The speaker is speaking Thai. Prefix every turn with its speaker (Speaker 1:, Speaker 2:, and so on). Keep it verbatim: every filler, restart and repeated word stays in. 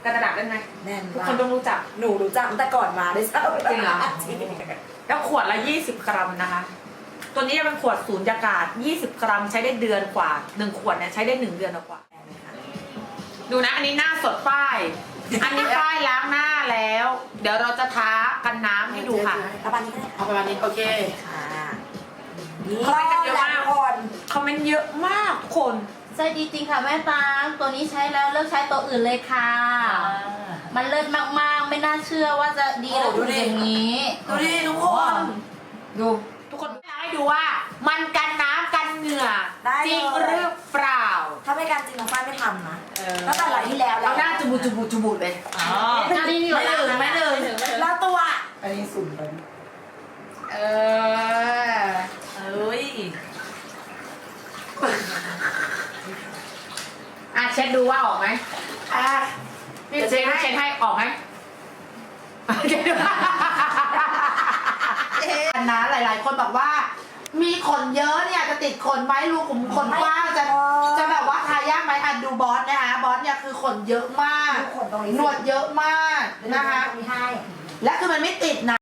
Speaker 1: กันกระดาษได้ไหม
Speaker 2: แน่น
Speaker 1: ทุก
Speaker 2: มา
Speaker 1: คน
Speaker 2: ก
Speaker 1: ต้องรู้จัก
Speaker 2: หนูรู้จักตั้งแต่ก่อนมาด้วยซ้ำ
Speaker 1: จริงเหรอ
Speaker 2: จริง
Speaker 1: แล้วขวดละยี่สิบกรัมนะคะ ตัวนี้จะเป็นขวดสูญญากาศยี่สิบกรัมใช้ได้เดือนกว่าหนึ่งขวดเนี่ยใช้ได้หนึ่งเดือนกว่าดูนะอันนี้หน้าสดฝ้ายอันนี้ฝ้ายล้างหน้าแล้ว เดี๋ยวเราจะท้ากันน้ำให้ดูค่ะ
Speaker 2: ประมาณนี้ก็ได้
Speaker 1: เอาประมาณนี้โอเค
Speaker 2: ค่ะนี่
Speaker 1: คอมเมนต์กันเยอะมาก
Speaker 2: คน
Speaker 1: คอมเมนต์เยอะมากทุกคน
Speaker 3: ใช่ดีจริงค่ะแม่ตางตัวนี้ใช้แล้วเลิกใช้ตัวอื่นเลยค่ะ มันเลิศมากๆ ไม่น่าเชื่อว่าจะดีแล้วถึงอย่างนี้
Speaker 2: ดูดิทุกคน
Speaker 1: ดูทุกคนอยากให้ดูว่า มันกันน้ำกันเหงื่อ
Speaker 2: ได้
Speaker 1: จริง
Speaker 2: เลย
Speaker 1: หรือเปล่า
Speaker 2: ถ้าไม่การจริงน้องฝ้ายไม่ทำนะตั้งแต่หลายที่แล้วแล้
Speaker 1: เอา
Speaker 2: ว
Speaker 1: หน้าจุบุจุบุจุบุเลยอ๋อ
Speaker 3: ไม่หนึ่งไม่หนึ่ง
Speaker 2: แล้วตัว
Speaker 4: อันนี้สุ่มไป
Speaker 1: เออ
Speaker 2: เอ้ย
Speaker 1: อ่ะเช็ดดูว่าออกไหม
Speaker 2: อ่ะ
Speaker 1: นี่เช็ดให้เช็ดให้ออกไหมเช็ดดู
Speaker 4: อันนะหลาย ๆ คนบอกว่า มีขนเยอะเนี่ยจะติดขนไหมรูขุมขนกว้างจะจะแบบว่าทายากไหมอันดูบอสนะคะบอสเนี่ยคือขนเยอะมาก
Speaker 2: ดูขนตรงนี้
Speaker 4: หนวดเยอะมากนะคะ
Speaker 2: ตรงนี้ให้
Speaker 4: และคือมันไม่ติดนะ